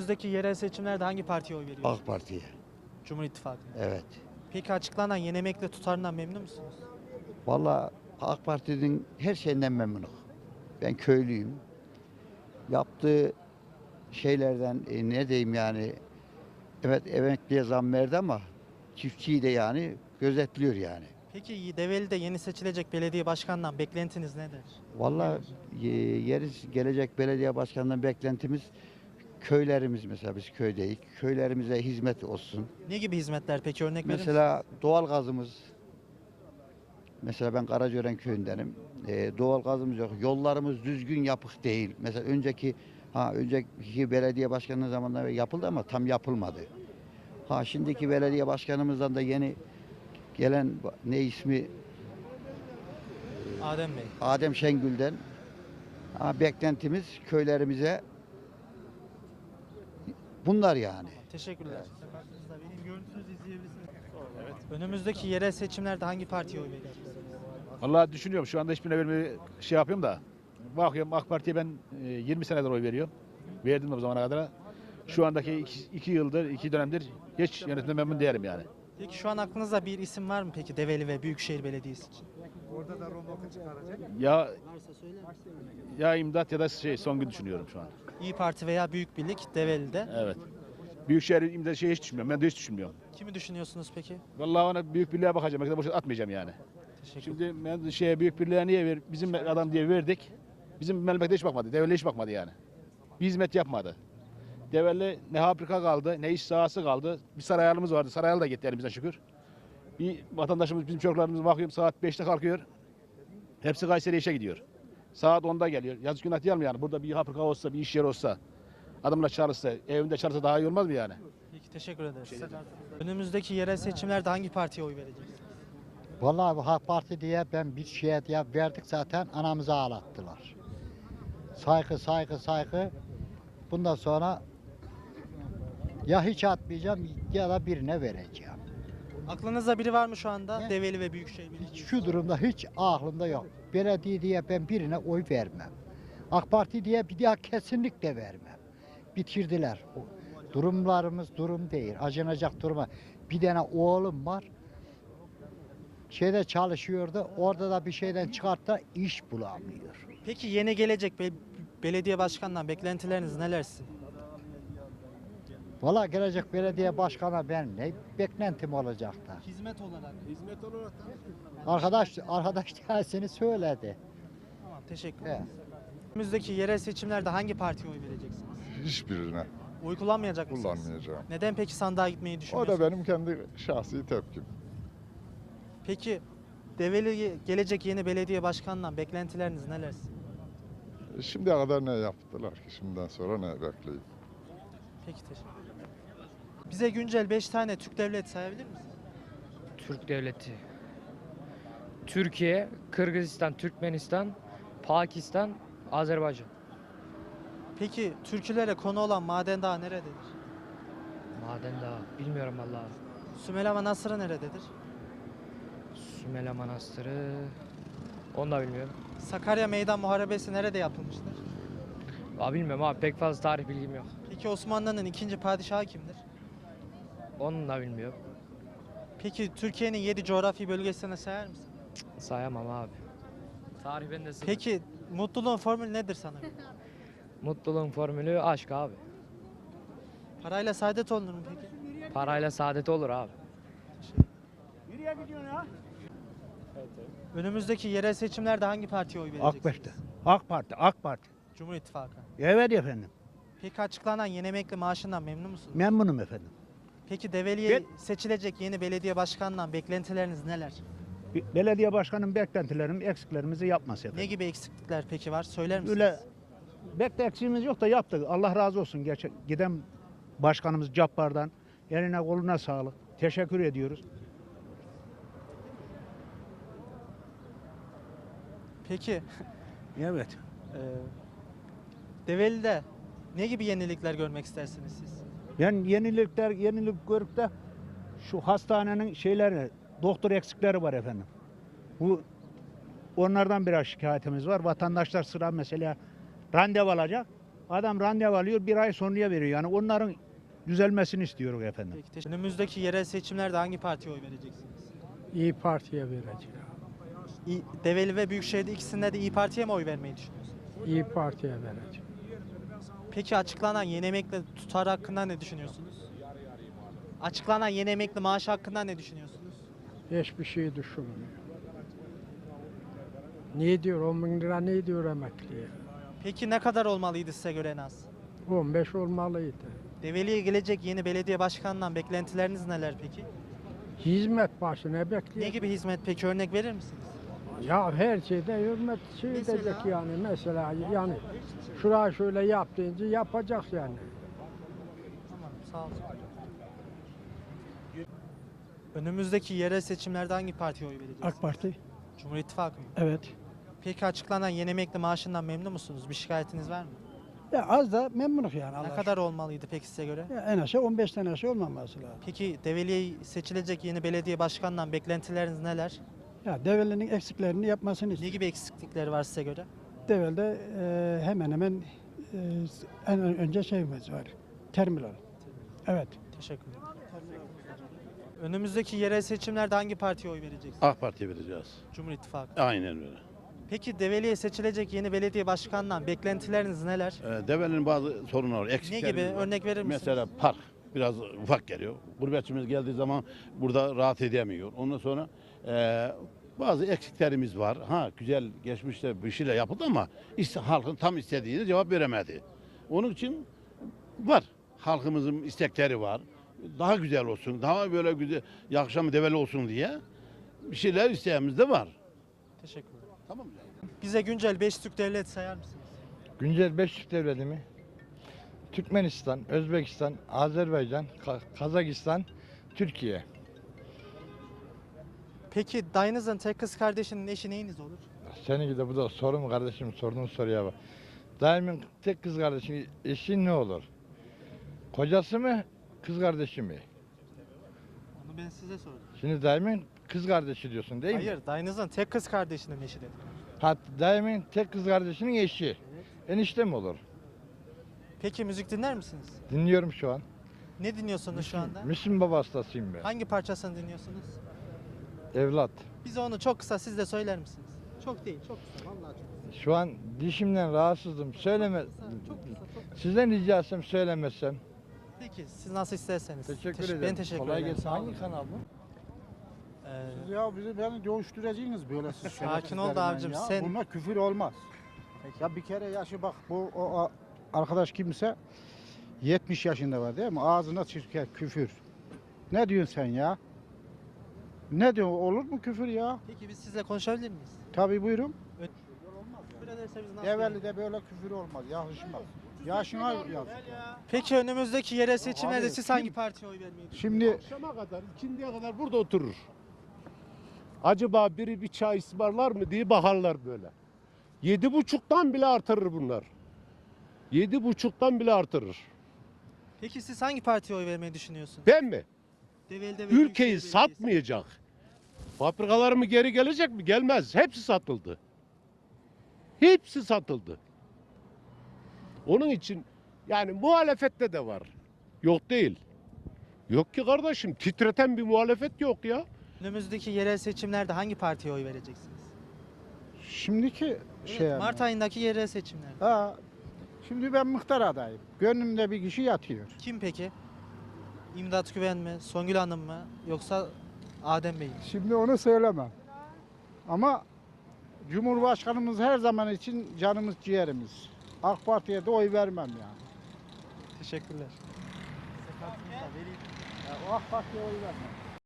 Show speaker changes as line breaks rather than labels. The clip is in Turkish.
Önümüzdeki yerel seçimlerde hangi partiye oy veriyorsunuz?
AK Parti'ye.
Cumhur İttifakı'na.
Evet.
Peki açıklanan yeni emekli tutarından memnun musunuz?
Vallahi AK Parti'nin her şeyinden memnunum. Ben köylüyüm. Yaptığı şeylerden ne diyeyim yani, evet emekliye zam verdi ama çiftçiyi de yani gözetliyor yani.
Peki Develi'de yeni seçilecek belediye başkanından beklentiniz nedir?
Vallahi yeri gelecek belediye başkanından beklentimiz köylerimiz, mesela biz köydeyiz. Köylerimize hizmet olsun.
Ne gibi hizmetler peki, örnek verir misiniz?
Mesela doğal gazımız, mesela ben Karacören köyündenim. Doğal gazımız yok. Yollarımız düzgün yapık değil. Mesela önceki belediye başkanının zamanında yapıldı ama tam yapılmadı. Şimdiki belediye başkanımızdan da yeni gelen ne ismi,
Adem Bey.
Adem Şengül'den beklentimiz köylerimize bunlar yani.
Teşekkürler. Benim görüntünüzü izleyebilirsiniz. Evet. Önümüzdeki yerel seçimlerde hangi partiye oy vereceksiniz?
Vallahi düşünüyorum, şu anda hiçbirine vermeyi yapıyorum da. Bakıyorum AK Parti'ye ben 20 senedir oy veriyorum. Verdim de bu zamana kadar. Şu andaki 2 yıldır, 2 dönemdir hiç yönetimden memnun değilim yani.
Peki şu an aklınızda bir isim var mı peki Develi ve Büyükşehir Belediyesi için?
Ya
Varsa söyler misiniz?
ya imdat ya da Songül düşünüyorum şu an.
İyi Parti veya Büyük Birlik Develi'de.
Evet. Büyükşehir imdat hiç düşünmüyorum. Ben de hiç düşünmüyorum.
Kimi düşünüyorsunuz peki?
Vallahi ona büyük birliğe bakacağım. Belki de boşa atmayacağım yani.
Teşekkür
Şimdi ben büyük birliğe niye bizim adam diye verdik. Bizim memlekete hiç bakmadı. Devlet hiç bakmadı yani. Bir hizmet yapmadı. Devlet ne fabrika kaldı, ne iş sahası kaldı. Bir sarayalımız vardı. Sarayal da gitti elimizden şükür. Bir vatandaşımız, bizim çocuklarımız bakıyorum saat 5'te kalkıyor. Hepsi Kayseri'ye işe gidiyor. Saat 10'da geliyor. Yazık günah değil mi yani? Burada bir fabrika olsa, bir iş yeri olsa, adamla çalışsa, evinde çalışsa daha iyi olmaz mı yani?
Peki teşekkür ederiz. Önümüzdeki yerel seçimlerde hangi partiye oy vereceksiniz?
Vallahi bu AK Parti diye ben bir şeye diye verdik, zaten anamızı ağlattılar. Saygı saygı saygı. Bundan sonra ya hiç atmayacağım ya da birine vereceğim.
Aklınızda biri var mı şu anda? Develi ve Büyükşehir Belediyesi.
Şu durumda hiç aklımda yok. Belediye diye ben birine oy vermem. AK Parti diye bir daha kesinlikle vermem. Bitirdiler. Durumlarımız durum değil. Acınacak duruma. Bir tane oğlum var. Şeyde çalışıyordu. Orada da bir şeyden çıkarttı, iş bulamıyor.
Peki yeni gelecek belediye başkanından beklentileriniz neler sizin?
Valla gelecek belediye başkanı ben ne beklentim olacak da.
Hizmet olarak.
Arkadaş tersini söyledi.
Tamam, teşekkür
Evet.
ederim. Önümüzdeki yerel seçimlerde hangi partiye oy vereceksiniz?
Hiçbirine
Oy kullanmayacak mısınız?
kullanmayacağım.
Neden peki sandığa gitmeyi
O
düşünüyorsunuz?
da benim kendi şahsi tepkim.
Peki Develi gelecek yeni belediye başkanından beklentileriniz neler sizin?
Şimdiye kadar ne yaptılar ki? Şimdiden sonra ne bekleyeyim?
Peki teşekkür ederim. Bize güncel 5 tane Türk devleti sayabilir misiniz?
Türk devleti. Türkiye, Kırgızistan, Türkmenistan, Pakistan, Azerbaycan.
Peki türkülere konu olan Maden Dağı nerededir?
Maden Dağı. Bilmiyorum vallahi.
Sümela Manastırı nerededir?
Sümele Manastırı. Onu da bilmiyorum.
Sakarya Meydan Muharebesi nerede yapılmıştır?
Bilmiyorum abi, pek fazla tarih bilgim yok.
Peki Osmanlı'nın ikinci padişahı kimdir?
Onu da bilmiyorum.
Peki Türkiye'nin 7 coğrafi bölgesine sayar mısın?
Sayamam abi. Tarih bende sıfır.
Peki mutluluğun formülü nedir sana?
Mutluluğun formülü aşk abi.
Parayla saadet olunur mu peki?
Parayla saadet olur abi.
Önümüzdeki yerel seçimlerde hangi partiye oy
AK
vereceksiniz?
Parti. AK Parti. AK Parti.
Cumhur İttifakı.
Evet efendim.
Peki açıklanan yeni emekli maaşından memnun musunuz?
Memnunum efendim.
Peki Develi'ye seçilecek yeni belediye başkanından beklentileriniz neler?
Belediye başkanının beklentilerimiz, eksiklerimizi yapması
Ne
efendim.
gibi eksiklikler peki var? Söyler misiniz?
Öyle eksiğimiz yok da yaptık. Allah razı olsun. Giden başkanımız Cabbar'dan eline koluna sağlık. Teşekkür ediyoruz.
Peki
Evet.
Develi'de ne gibi yenilikler görmek istersiniz siz?
Ben yenilik görüp de şu hastanenin doktor eksikleri var efendim. Onlardan biraz şikayetimiz var. Vatandaşlar sıra mesela randevu alacak. Adam randevu alıyor, bir ay sonraya veriyor. Yani onların düzelmesini istiyoruz efendim.
Peki, önümüzdeki yerel seçimlerde hangi partiye oy vereceksiniz?
İyi Parti'ye vereceğim.
Develi ve Büyükşehir'de ikisinde de İyi Parti'ye mi oy vermeyi düşünüyorsunuz?
İyi Parti'ye vereceğim.
Peki açıklanan yeni emekli tutarı hakkında ne düşünüyorsunuz? Açıklanan yeni emekli maaşı hakkında ne düşünüyorsunuz?
Hiçbir şey düşünmüyor. Ne diyor 10 bin lira ne diyor emekliye?
Peki ne kadar olmalıydı size göre en az?
15 olmalıydı.
Develi'ye gelecek yeni belediye başkanından beklentileriniz neler peki?
Hizmet başı ne
Ne
bekliyor?
gibi hizmet peki, örnek verir misiniz?
Ya her şeyde hürmet şey
Mesela?
edecek yani. Mesela yani şurayı şöyle yap deyince yapacak yani.
Tamam, sağ olun. Önümüzdeki yerel seçimlerde hangi partiye oy vereceksiniz?
AK Parti.
Cumhur İttifakı mı?
Evet.
Peki açıklanan yeni emekli maaşından memnun musunuz? Bir şikayetiniz var mı?
Ya az da memnunuz yani.
Ne
Allah
kadar olmalıydı peki size göre?
Ya en aşağı 15 tane aşağı olmaması lazım.
Peki Develi'ye seçilecek yeni belediye başkanından beklentileriniz neler?
Ya Develi'nin eksiklerini yapmasını
Ne
istiyor.
gibi eksiklikleri var size göre?
Develi'de hemen hemen en önce şeyimiz var. Terminal. Evet.
Teşekkür ederim. Önümüzdeki yerel seçimlerde hangi partiye oy vereceksiniz?
AK Parti'ye vereceğiz.
Cumhur İttifakı.
Aynen öyle.
Peki Develi'ye seçilecek yeni belediye başkanından beklentileriniz neler?
Develerin bazı sorunları var,
Ne
eksiklerimiz
gibi?
var.
Örnek verir misiniz?
Mesela park biraz ufak geliyor. Gurbetçimiz geldiği zaman burada rahat edemiyor. Ondan sonra bazı eksiklerimiz var. Ha güzel geçmişte bir şeyler yapıldı ama işte halkın tam istediğine cevap veremedi. Onun için var. Halkımızın istekleri var. Daha güzel olsun, daha böyle güzel, yakışan Develi olsun diye bir şeyler isteğimiz de var.
Teşekkür ederim.
Tamam mı?
Bize güncel 5 Türk devlet sayar mısınız?
Güncel 5 Türk devleti mi? Türkmenistan, Özbekistan, Azerbaycan, Kazakistan, Türkiye.
Peki dayınızın tek kız kardeşinin eşi neyiniz olur?
Seninki de bu da soru mu kardeşim? Sorduğun soruya bak. Daimin tek kız kardeşi eşi ne olur? Kocası mı, kız kardeşi mi?
Onu ben size sordum.
Şimdi daimin kız kardeşi diyorsun değil mi?
Hayır, dayınızın tek kız kardeşinin eşi dedim.
Ha, daimin tek kız kardeşinin eşi. Enişte mi olur?
Peki müzik dinler misiniz?
Dinliyorum şu an.
Ne dinliyorsunuz şu anda?
Müslüm Baba hastasıyım ben.
Hangi parçasını dinliyorsunuz?
Evlat.
Bize onu çok kısa siz de söyler misiniz? Çok değil, çok kısa. Vallahi çok kısa.
Şu an dişimden rahatsızım. Söyleme.
Çok kısa.
Sizden rica etsem söylemezsem.
Peki siz nasıl isterseniz.
Teşekkür ederim.
Ben teşekkür
Kolay
ederim.
gelsin.
Sağ olun.
Hangi kanal bu?
Ee,
Bizi beni dövüştüreceğiniz böyle siz
Sakin ol da
şerefsizlerle
abicim,
ya.
sen-
Bunlar küfür olmaz. Ya bir kere yaşı bak o arkadaş kimse 70 yaşında var değil mi? Ağzına çıkıyor küfür. Ne diyorsun sen ya? Ne diyorsun? Olur mu küfür ya?
Peki biz sizle konuşabilir miyiz?
Tabii buyurun.
Küfür ederse biz nasıl
Evveli de böyle küfür olmaz. Yakışmaz. Yaşına yazık.
Peki önümüzdeki yerel seçimlerde
Abi,
siz
kim-
hangi partiye oy vermeyi düşünüyorsunuz?
Şimdi
Akşama kadar, ikindiye kadar burada oturur. Acaba biri bir çay ısmarlar mı diye bakarlar böyle. 7,5'tan bile artırır bunlar. 7,5'tan bile artırır.
Peki siz hangi partiye oy vermeyi düşünüyorsunuz?
Ben mi?
Develi'de ve
Ülkeyi
Büyükşehir Belediyesi.
satmayacak. Fabrikalar mı geri gelecek mi? Gelmez. Hepsi satıldı. Hepsi satıldı. Onun için yani muhalefette de var. Yok değil. Yok ki kardeşim, titreten bir muhalefet yok ya.
Önümüzdeki yerel seçimlerde hangi partiye oy vereceksiniz?
şimdiki
Evet,
şey
Mart ayındaki yerel seçimlerde.
Ha, şimdi ben muhtar adayım. Gönlümde bir kişi yatıyor.
Kim peki? İmdat Güven mi, Songül Hanım mı yoksa Adem Bey mi?
Şimdi onu söylemem. Ama Cumhurbaşkanımız her zaman için canımız ciğerimiz. AK Parti'ye de oy vermem yani.
Teşekkürler.
O AK Parti'ye oy vermem.